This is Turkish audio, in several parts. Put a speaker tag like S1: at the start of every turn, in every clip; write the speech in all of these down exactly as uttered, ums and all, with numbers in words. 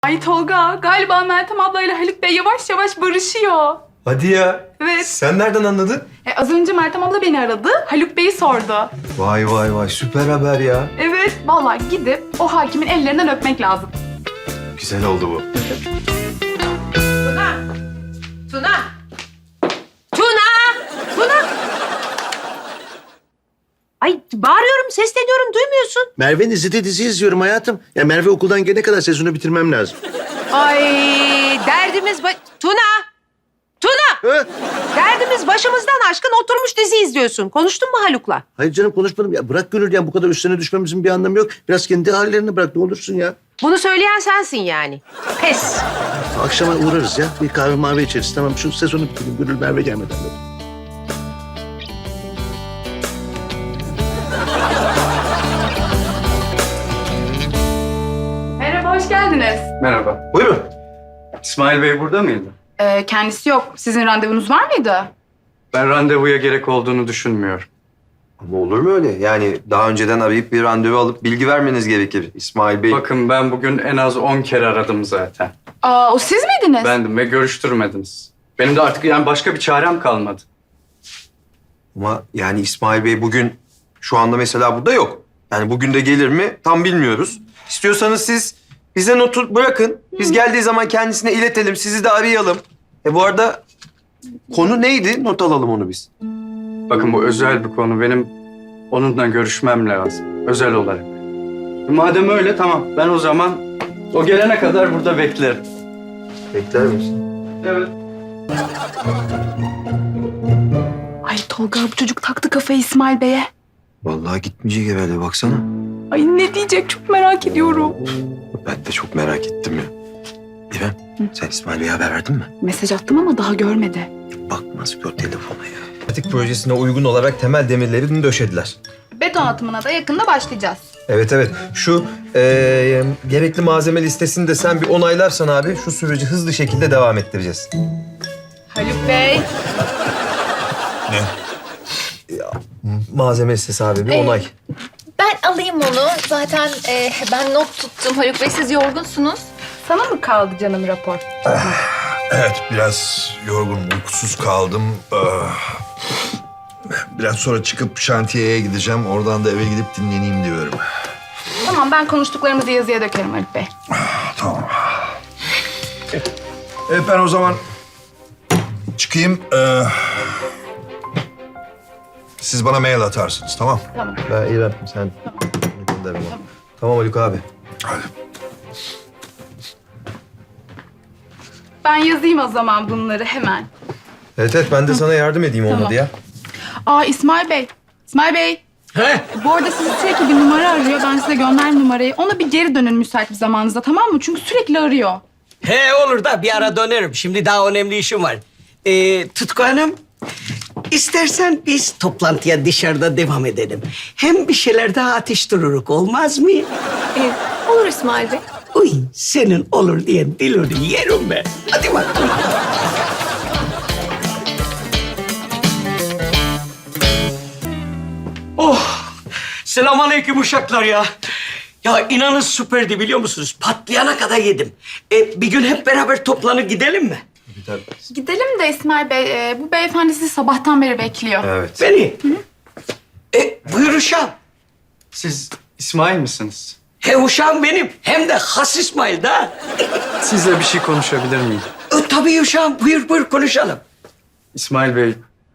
S1: Ay Tolga, galiba Meltem ablayla Haluk Bey yavaş yavaş barışıyor.
S2: Hadi ya.
S1: Evet.
S2: Sen nereden anladın?
S1: E, az önce Meltem abla beni aradı, Haluk Bey'i sordu.
S2: Vay vay vay süper haber ya.
S1: Evet, vallahi gidip o hakimin ellerinden öpmek lazım.
S2: Güzel oldu bu.
S3: Tuna! Tuna! Tuna! Tuna! Ay bağırıyorum, sesleniyorum, duymuyorsun.
S4: Merve'nin izlediği dizi izliyorum hayatım. Ya Merve okuldan gelene kadar sezonu bitirmem lazım.
S3: Ay derdimiz... Ba- Tuna! Tuna!
S4: Ha?
S3: Derdimiz başımızdan aşkın, oturmuş dizi izliyorsun. Konuştun mu Haluk'la?
S4: Hayır canım konuşmadım. Ya bırak Gönül ya bu kadar üstüne düşmemizin bir anlamı yok. Biraz kendi hallerini bırak ne olursun ya.
S3: Bunu söyleyen sensin yani. Pes.
S4: Akşama uğrarız ya. Bir kahve mavi içeriz. Tamam şu sezonu bitirelim. Gönül Merve gelmeden.
S1: Merhaba, hoş geldiniz.
S5: Merhaba.
S2: Buyurun.
S5: İsmail Bey burada mıydı?
S1: Ee, kendisi yok. Sizin randevunuz var mıydı?
S5: Ben randevuya gerek olduğunu düşünmüyorum.
S2: Ama olur mu öyle? Yani daha önceden arayıp bir randevu alıp bilgi vermeniz gerekir İsmail Bey.
S5: Bakın ben bugün en az on kere aradım zaten.
S1: Aa, o siz miydiniz?
S5: Bendim ve görüştürmediniz. Benim de artık yani başka bir çarem kalmadı.
S2: Ama yani İsmail Bey bugün şu anda mesela burada yok. Yani bugün de gelir mi tam bilmiyoruz. İstiyorsanız siz bize notu bırakın. Biz geldiği zaman kendisine iletelim. Sizi de arayalım. E bu arada konu neydi? Not alalım onu biz.
S5: Bakın bu özel bir konu. Benim onunla görüşmem lazım. Özel olarak. Madem öyle tamam. Ben o zaman o gelene kadar burada beklerim.
S2: Bekler misin?
S5: Evet.
S1: Ay Tolga, bu çocuk taktı kafayı İsmail Bey'e.
S2: Vallahi gitmeyecek herhalde baksana.
S1: Ay ne diyecek, çok merak ediyorum.
S2: Ben de çok merak ettim ya. İrem, sen İsmail Bey'e haber verdin mi?
S1: Mesaj attım ama daha görmedi.
S2: Bakmaz gör telefona ya. Pratik projesine uygun olarak temel demirlerini döşediler.
S1: Beton atımına da yakında başlayacağız.
S2: Evet evet. Şu eee, gerekli malzeme listesini de sen bir onaylarsan abi şu süreci hızlı şekilde devam ettireceğiz.
S1: Haluk Bey.
S2: Malzeme listesi abi bir
S6: Ee,
S2: onay.
S6: Ben alayım onu. Zaten e, ben not tuttum. Haluk Bey siz yorgunsunuz.
S1: Sana mı kaldı canım rapor?
S7: Evet, biraz yorgunum, uykusuz kaldım. Ah. Biraz sonra çıkıp şantiyeye gideceğim. Oradan da eve gidip dinleneyim diyorum.
S1: Tamam, ben konuştuklarımızı yazıya dökerim Haluk Bey.
S7: Tamam. Evet, ben o zaman çıkayım. Ee, siz bana mail atarsınız, tamam?
S1: Tamam.
S2: Ben İrem sen gönder bana. Tamam Haluk abi.
S7: Hadi.
S1: Ben yazayım o zaman bunları hemen.
S2: Evet evet ben de sana yardım edeyim olmadı
S1: Tamam.
S2: ya.
S1: Aa İsmail Bey. İsmail Bey.
S4: He?
S1: Bu arada sizi sürekli bir numara arıyor. Ben size gönderdim numarayı. Ona bir geri dönün müsait bir zamanınızda, tamam mı? Çünkü sürekli arıyor.
S8: He olur da bir ara dönerim. Şimdi daha önemli işim var. Ee, Tutku Hanım, istersen biz toplantıya dışarıda devam edelim. Hem bir şeyler daha atıştırırız, olmaz mı?
S6: E, olur İsmail Bey.
S8: Uy, senin olur diye dilini yerim ben. Hadi bakalım. Oh, selamünaleyküm uşaklar ya. Ya inanın süperdi biliyor musunuz? Patlayana kadar yedim. E, bir gün hep beraber toplanıp gidelim mi?
S1: Gidelim de İsmail Bey, e, bu beyefendi sizi sabahtan beri bekliyor.
S2: Evet.
S8: Beni. E, buyur uşağım.
S5: Siz İsmail misiniz?
S8: He uşağım benim. Hem de has İsmail da.
S5: Sizle bir şey konuşabilir miyim?
S8: E, tabii uşağım. Buyur buyur konuşalım.
S5: İsmail Bey,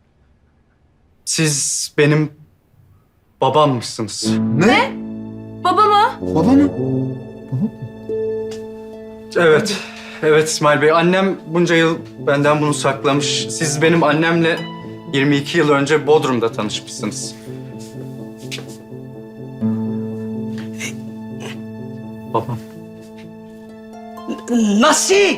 S5: siz benim babammışsınız.
S2: Ne?
S1: Baba mı?
S2: Baba mı?
S5: Evet, evet İsmail Bey. Annem bunca yıl benden bunu saklamış. Siz benim annemle yirmi iki yıl önce Bodrum'da tanışmışsınız. Babam.
S8: Nasıl?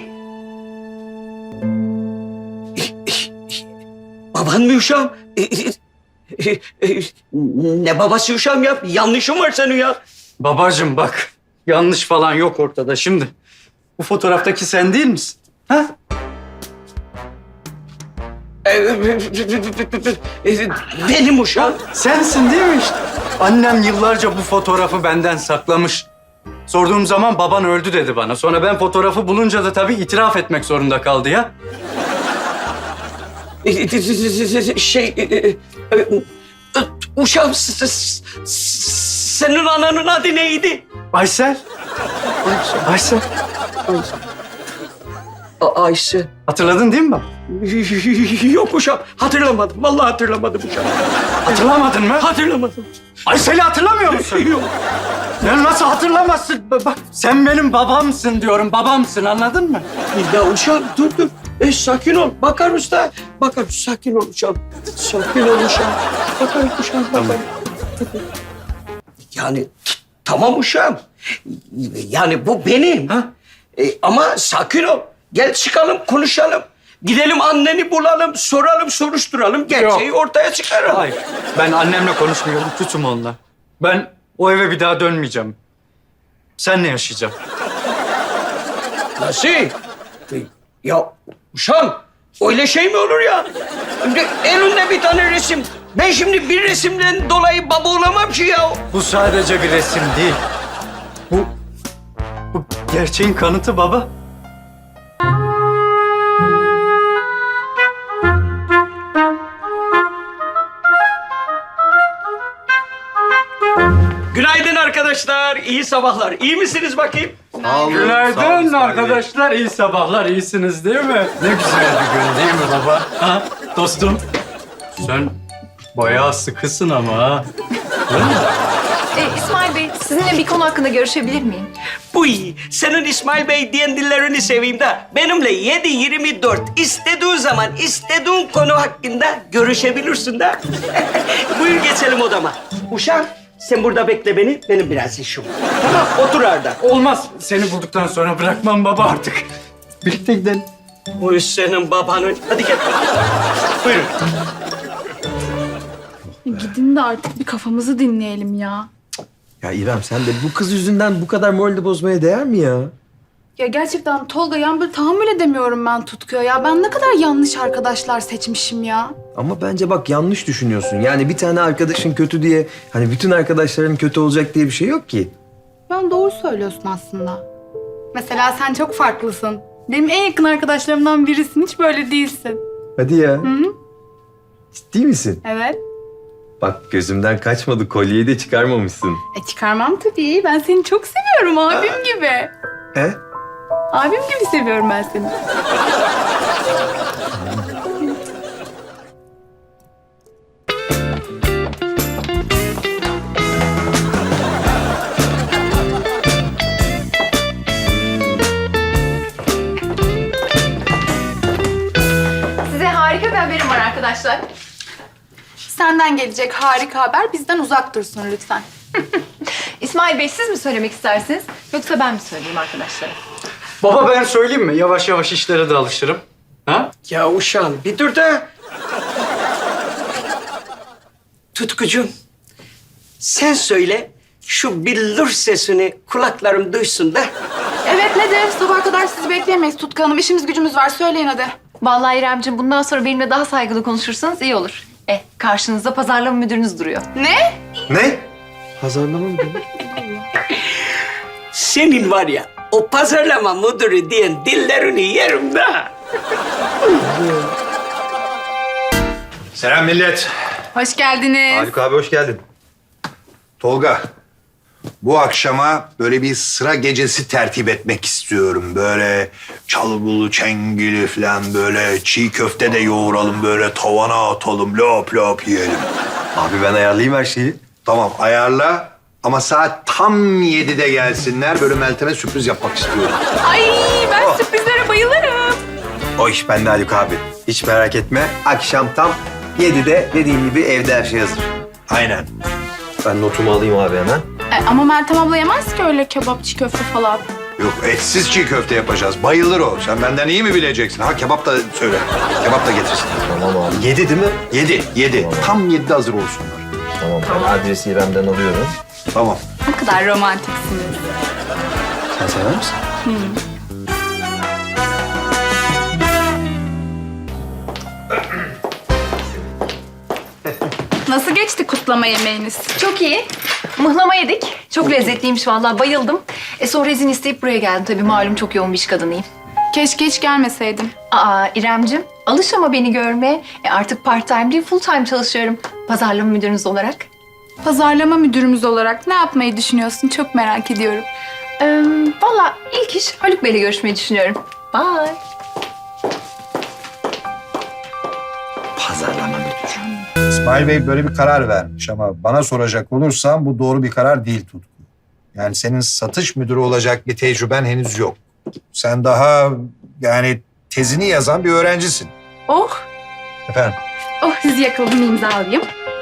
S8: Baban mı uşağım? E, e, e, ne babası uşağım ya? Yanlışım var senin ya.
S5: Babacığım bak, yanlış falan yok ortada. Şimdi bu fotoğraftaki sen değil misin? Ha?
S8: E, e, e, benim uşağım.
S5: Sensin değil mi işte? Annem yıllarca bu fotoğrafı benden saklamış. Sorduğum zaman baban öldü dedi bana. Sonra ben fotoğrafı bulunca da tabii itiraf etmek zorunda kaldı ya.
S8: Şey... e, e, e, Uşağım, s- s- s- senin ananın adı neydi?
S5: Aysel. Aysel.
S8: A- Ayşe.
S5: Hatırladın değil mi baba?
S8: Yok uşağım, hatırlamadım. Vallahi hatırlamadım uşağım.
S5: Hatırlamadın mı?
S8: Hatırlamadım.
S5: Aysel'i hatırlamıyor musun?
S8: Yok.
S5: Ya nasıl hatırlamazsın? Bak sen benim babamsın diyorum. Babamsın, anladın mı?
S8: Ya uşağım, dur dur. E, sakin ol. Bakarız da. Bakarız. Sakin ol uşağım. Sakin ol uşağım. Bakarız uşağım. Bakarız. Yani t- tamam uşağım. Yani bu benim.
S5: Ha?
S8: E, ama sakin ol. Gel çıkalım, konuşalım. Gidelim anneni bulalım, soralım, soruşturalım. Gerçeği ortaya çıkaralım.
S5: Hayır. Ben annemle konuşmuyorum. Tutun onunla. Ben o eve bir daha dönmeyeceğim. Senle yaşayacağım.
S8: Nasıl? E, Ya uşağım, öyle şey mi olur ya? Şimdi elinde bir tane resim. Ben şimdi bir resimden dolayı baba olamam ki ya.
S5: Bu sadece bir resim değil. Bu, bu gerçeğin kanıtı baba.
S8: Günaydın arkadaşlar, iyi sabahlar. İyi misiniz bakayım?
S2: Sağ olun, sağ olun
S5: Günaydın
S2: İsmail Bey.
S5: arkadaşlar. İyi sabahlar. İyisiniz değil mi? Ne güzel bir gün değil mi baba? Ha? Dostum. Sen bayağı sıkısın ama ha.
S6: E, İsmail Bey, sizinle bir konu hakkında görüşebilir miyim?
S8: Bu iyi. Senin İsmail Bey diyen dillerini seveyim de benimle yedi yirmi dört istediğin zaman istediğin konu hakkında görüşebilirsin de. Buyur geçelim odama. Uşağım sen burada bekle beni. Benim biraz işim var. Tamam otur Arda.
S5: Olmaz. Seni bulduktan sonra bırakmam baba artık. Birlikte gidelim.
S8: Bu iş senin babanın. Hadi gel. Buyurun.
S1: Gidin de artık bir kafamızı dinleyelim ya.
S2: Ya İrem sen de bu kız yüzünden bu kadar morali bozmaya değer mi ya?
S1: Ya gerçekten Tolga, yani böyle tahammül edemiyorum ben Tutku'ya ya. Ben ne kadar yanlış arkadaşlar seçmişim ya.
S2: Ama bence bak yanlış düşünüyorsun. Yani bir tane arkadaşın kötü diye hani bütün arkadaşların kötü olacak diye bir şey yok ki.
S1: Ben doğru söylüyorsun aslında. Mesela sen çok farklısın. Benim en yakın arkadaşlarımdan birisin. Hiç böyle değilsin.
S2: Hadi ya.
S1: Hı hı.
S2: Ciddi misin?
S1: Evet.
S2: Bak gözümden kaçmadı. Kolyeyi de çıkarmamışsın.
S1: E çıkarmam tabii. Ben seni çok seviyorum abim gibi.
S2: He?
S1: Abim gibi seviyorum ben seni.
S6: Size harika bir haberim var arkadaşlar.
S1: Senden gelecek harika haber bizden uzak dursun lütfen.
S6: İsmail Bey, siz mi söylemek istersiniz? Yoksa ben mi söyleyeyim arkadaşlara?
S5: Baba ben söyleyeyim mi? Yavaş yavaş işlere de alışırım. Ha?
S8: Ya uşağım bir dur da. Tutkucuğum, sen söyle şu billur sesini kulaklarım duysun da.
S1: Evet nedir? Sabah kadar sizi bekleyemeyiz Tutku Hanım. İşimiz gücümüz var. Söyleyin hadi.
S6: Vallahi İremciğim, bundan sonra benimle daha saygılı konuşursanız iyi olur. E, karşınızda pazarlama müdürünüz duruyor.
S1: Ne?
S2: Ne? Pazarlama mı?
S8: Senin var ya o pazarlama müdürü diyen dillerini yerim de.
S7: Selam millet.
S1: Hoş geldiniz.
S2: Haluk abi hoş geldin.
S7: Tolga, bu akşama böyle bir sıra gecesi tertip etmek istiyorum. Böyle çalgılı, çengili falan böyle çiğ köfte de yoğuralım, böyle tavana atalım, lop lop yiyelim.
S2: Abi ben ayarlayayım her şeyi.
S7: Tamam, ayarla ama saat tam yedide gelsinler. Böyle Meltem'e sürpriz yapmak istiyorum.
S1: Ay ben sürprizlere bayılırım.
S2: O iş bende Haluk abi. Hiç merak etme. Akşam tam yedide dediğim gibi evde her şey hazır.
S7: Aynen.
S2: Ben notumu alayım abi hemen.
S1: E, ama Meltem abla yemez ki öyle kebap, çiğ köfte falan.
S7: Yok, etsiz çiğ köfte yapacağız. Bayılır o. Sen benden iyi mi bileceksin? Ha, kebap da söyle. Kebap da getirsin.
S2: Tamam abi. Yedi değil mi?
S7: Yedi, yedi. Tam yedide hazır olsunlar.
S2: Tamam. Ben adresi İrem'den alıyorum.
S7: Tamam.
S1: Ne kadar romantiksiniz.
S2: Sen sever misin?
S1: Nasıl geçti kutlama yemeğiniz?
S6: Çok iyi. Mıhlama yedik. Çok lezzetliymiş vallahi, bayıldım. E sonra izin isteyip buraya geldim. Tabii malum çok yoğun bir iş kadınıyım.
S1: Keşke hiç gelmeseydim.
S6: Aa İremcim, alış ama beni görmeye. E artık part time değil, full time çalışıyorum. Pazarlama müdürünüz olarak.
S1: Pazarlama müdürümüz olarak ne yapmayı düşünüyorsun? Çok merak ediyorum.
S6: Ee, Valla ilk iş Haluk Bey'le görüşmeyi düşünüyorum. Bye.
S2: Pazarlama müdürü.
S7: İsmail Bey böyle bir karar vermiş ama bana soracak olursan bu doğru bir karar değil Tutku. Yani senin satış müdürü olacak bir tecrüben henüz yok. Sen daha yani tezini yazan bir öğrencisin.
S1: Oh,
S7: Efendim?
S1: oh sizi yakaladım, imza alayım.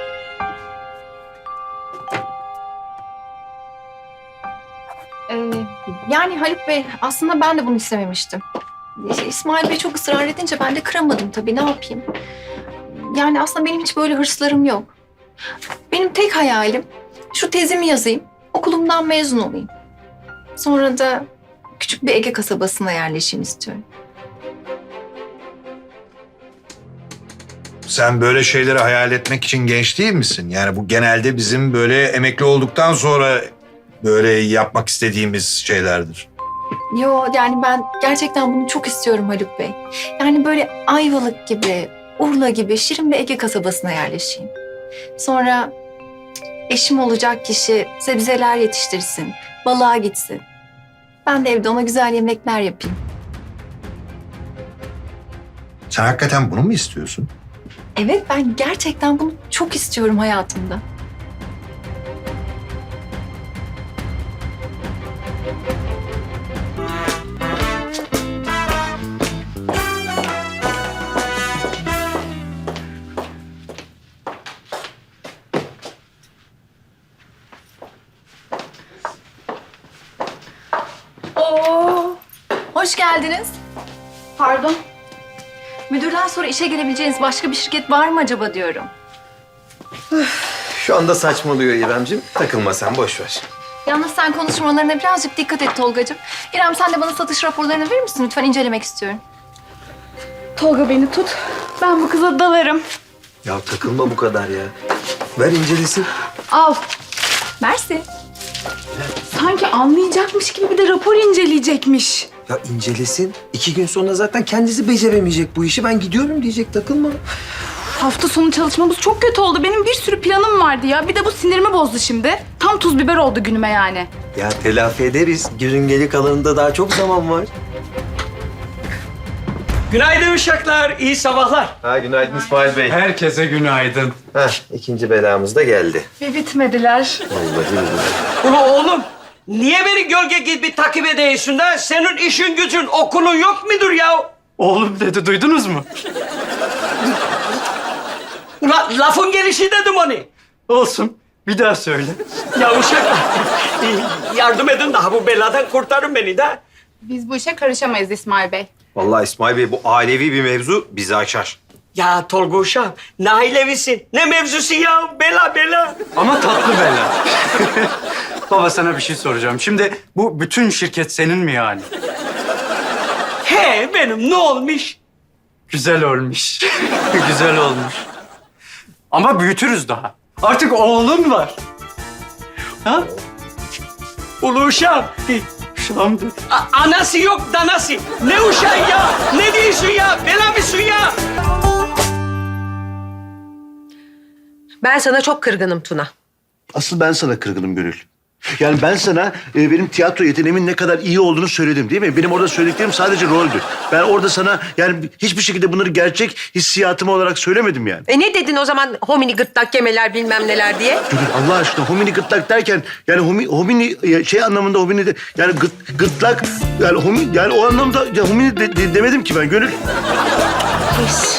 S6: Ee, Yani Haluk Bey, aslında ben de bunu istememiştim. İşte İsmail Bey çok ısrar edince ben de kıramadım tabii, ne yapayım? Yani aslında benim hiç böyle hırslarım yok. Benim tek hayalim şu tezimi yazayım, okulumdan mezun olayım. Sonra da küçük bir Ege kasabasına yerleşeyim istiyorum.
S7: Sen böyle şeyleri hayal etmek için genç değil misin? Yani bu genelde bizim böyle emekli olduktan sonra böyle yapmak istediğimiz şeylerdir.
S6: Yo, yani ben gerçekten bunu çok istiyorum Haluk Bey. Yani böyle Ayvalık gibi, Urla gibi şirin bir Ege kasabasına yerleşeyim. Sonra eşim olacak kişi sebzeler yetiştirsin, balığa gitsin. Ben de evde ona güzel yemekler yapayım.
S7: Sen hakikaten bunu mu istiyorsun?
S6: Evet, ben gerçekten bunu çok istiyorum hayatımda. Oo, hoş geldiniz.
S1: Pardon.
S6: Müdürden sonra işe gelebileceğiniz başka bir şirket var mı acaba diyorum.
S2: Şu anda saçmalıyor İremciğim. Takılma sen, boş ver.
S6: Yalnız sen konuşmalarına birazcık dikkat et Tolgacığım. İrem, sen de bana satış raporlarını verir misin? Lütfen incelemek istiyorum.
S1: Tolga beni tut. Ben bu kıza dalarım.
S2: Ya takılma bu kadar ya. Ver incelesin.
S1: Al.
S6: Mersi.
S1: Sanki anlayacakmış gibi bir de rapor inceleyecekmiş.
S2: Ya incelesin. İki gün sonra zaten kendisi beceremeyecek bu işi. Ben gidiyorum diyecek, takılma.
S1: Hafta sonu çalışmamız çok kötü oldu. Benim bir sürü planım vardı ya. Bir de bu sinirimi bozdu şimdi. Tam tuz biber oldu günüme yani.
S2: Ya telafi ederiz. Günün geri kalanında daha çok zaman var.
S8: Günaydın uşaklar, iyi sabahlar.
S2: Ha, günaydın İsmail Bey.
S5: Herkese günaydın.
S2: Heh, ikinci belamız da geldi.
S1: Ve bitmediler.
S2: Vallahi billahi.
S8: Ula oğlum, niye beni gölge gibi takip ediyorsun da? Senin işin gücün, okulun yok mudur ya?
S5: Oğlum dedi, duydunuz mu?
S8: Ula lafın gelişi dedim onu.
S5: Olsun. Bir daha söyle.
S8: Ya uşaklar, yardım edin daha bu beladan kurtarın beni de.
S1: Biz bu işe karışamayız İsmail Bey.
S2: Vallahi İsmail Bey, bu ailevi bir mevzu bizi açar.
S8: Ya Tolga uşağım, ne ailevisin, ne mevzusu ya? Bela bela.
S5: Ama tatlı bela. Baba, sana bir şey soracağım. Şimdi bu bütün şirket senin mi yani?
S8: He benim, ne olmuş?
S5: Güzel olmuş. Güzel olmuş. Ama büyütürüz daha. Artık oğlun var. Ha?
S8: Ulu uşağım,
S5: Uşağım dedi.
S8: a- anası yok danası. Ne uşağı ya? Ne diyorsun ya? Bela mısın ya?
S3: Ben sana çok kırgınım Tuna.
S4: Asıl ben sana kırgınım Gönül. Yani ben sana e, benim tiyatro yeteneğimin ne kadar iyi olduğunu söyledim değil mi? Benim orada söylediklerim sadece roldü. Ben orada sana yani hiçbir şekilde bunları gerçek hissiyatım olarak söylemedim yani.
S3: E ne dedin o zaman homini gırtlak yemeler bilmem neler diye?
S4: Gönül Allah aşkına homini gırtlak derken yani homi, homini ya şey anlamında homini de yani gıt, gırtlak yani homi yani o anlamda ya homini de, de- demedim ki ben Gönül.
S3: Pis.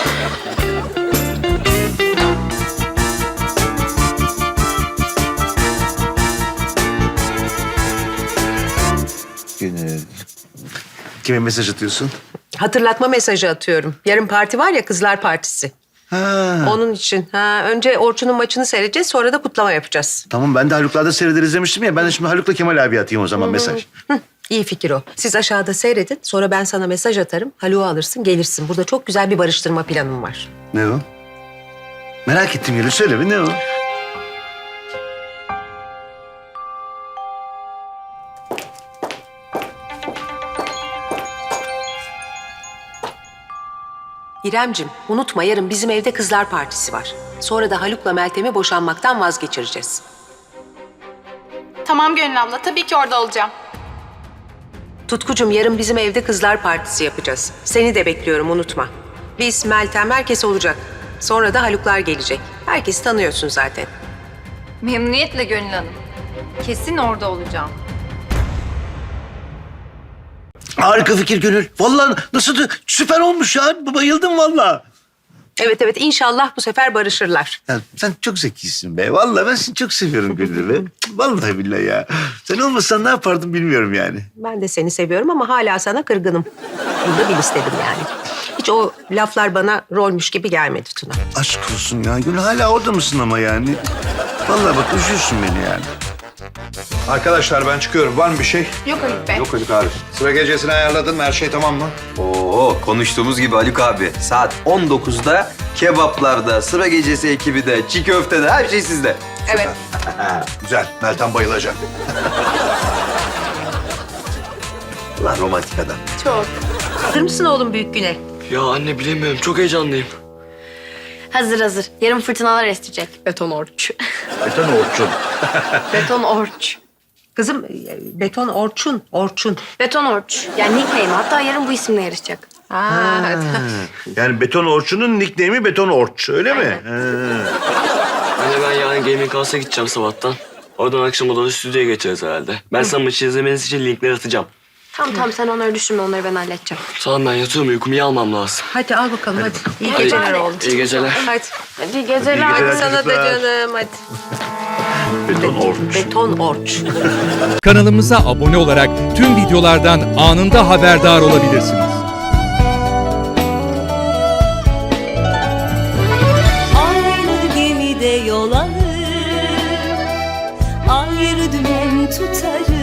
S4: Gönül. Kime mesaj atıyorsun?
S3: Hatırlatma mesajı atıyorum. Yarın parti var ya, kızlar partisi.
S4: Ha.
S3: Onun için. Ha, önce Orçun'un maçını seyredeceğiz, sonra da kutlama yapacağız.
S4: Tamam ben de Haluk'larda seyrederiz demiştim ya. Ben de şimdi Haluk'la Kemal abi atayım o zaman mesaj.
S3: Hı, iyi fikir o. Siz aşağıda seyredin, sonra ben sana mesaj atarım. Haluk'u alırsın, gelirsin. Burada çok güzel bir barıştırma planım var.
S4: Ne o? Merak ettim Gülü. Söyle bir ne o?
S3: İremcim, unutma yarın bizim evde kızlar partisi var. Sonra da Haluk'la Meltem'i boşanmaktan vazgeçireceğiz.
S1: Tamam Gönül abla, tabii ki orada olacağım.
S3: Tutkucum, yarın bizim evde kızlar partisi yapacağız. Seni de bekliyorum, unutma. Biz, Meltem, herkes olacak. Sonra da Haluklar gelecek. Herkesi tanıyorsun zaten.
S6: Memnuniyetle Gönül Hanım. Kesin orada olacağım.
S4: Harika fikir Gönül. Vallahi nasıl süper olmuş ya. Bayıldım vallahi.
S3: Evet evet, inşallah bu sefer barışırlar.
S4: Ya sen çok zekisin be. Vallahi ben seni çok seviyorum Gönül be. Vallahi billahi ya. Sen olmasan ne yapardım bilmiyorum yani.
S3: Ben de seni seviyorum ama hala sana kırgınım. Bunu da bil istedim yani. Hiç o laflar bana rolmüş gibi gelmedi Tuna.
S4: Aşk olsun ya. Gönül hala orada mısın ama yani? Vallahi bak üzüyorsun beni yani.
S7: Arkadaşlar ben çıkıyorum. Var mı bir şey?
S1: Yok Haluk Bey.
S2: Yok Haluk abi.
S7: Sıra gecesini ayarladın mı? Her şey tamam mı?
S2: Oo, konuştuğumuz gibi Haluk abi. Saat on dokuzda kebaplarda, sıra gecesi ekibi de, çiğ köftede her şey sizde.
S1: Evet.
S7: Güzel. Meltem bayılacak.
S2: Ulan romantik adam.
S1: Çok.
S3: Hazır mısın oğlum büyük güne?
S9: Ya anne bilemiyorum. Çok heyecanlıyım.
S10: Hazır hazır. Yarın fırtınalar esecek. Beton orç.
S4: Beton Orçun.
S10: Beton orç.
S3: Kızım, e, beton Orçun, Orçun.
S10: Beton orç. Yani nickname. Hatta yarın bu isimle yarışacak.
S3: Ha.
S4: Yani Beton Orçun'un nickname'i Beton Orç öyle mi? Ha.
S9: Anne ben yarın Gaming House'a gideceğim sabahtan. Oradan akşama doğru stüdyoya geçeriz herhalde. Ben sana maçı izlemeniz için linkleri atacağım.
S10: Tamam tamam sen onları düşünme. Onları ben halledeceğim.
S9: Tamam ben yatıyorum. Uykumu iyi almam lazım.
S3: Hadi al bakalım hadi. İyi
S9: Hadi.
S3: geceler oğlum.
S9: İyi geceler.
S3: Hadi.
S10: Hadi geceler.
S4: İyi geceler
S3: Sana da
S4: çocuklar.
S3: canım hadi.
S4: Beton Orç.
S3: Beton Orç.
S11: Kanalımıza abone olarak tüm videolardan anında haberdar olabilirsiniz.
S12: Aynı gemide yol alır, ayrı dümen tutarız.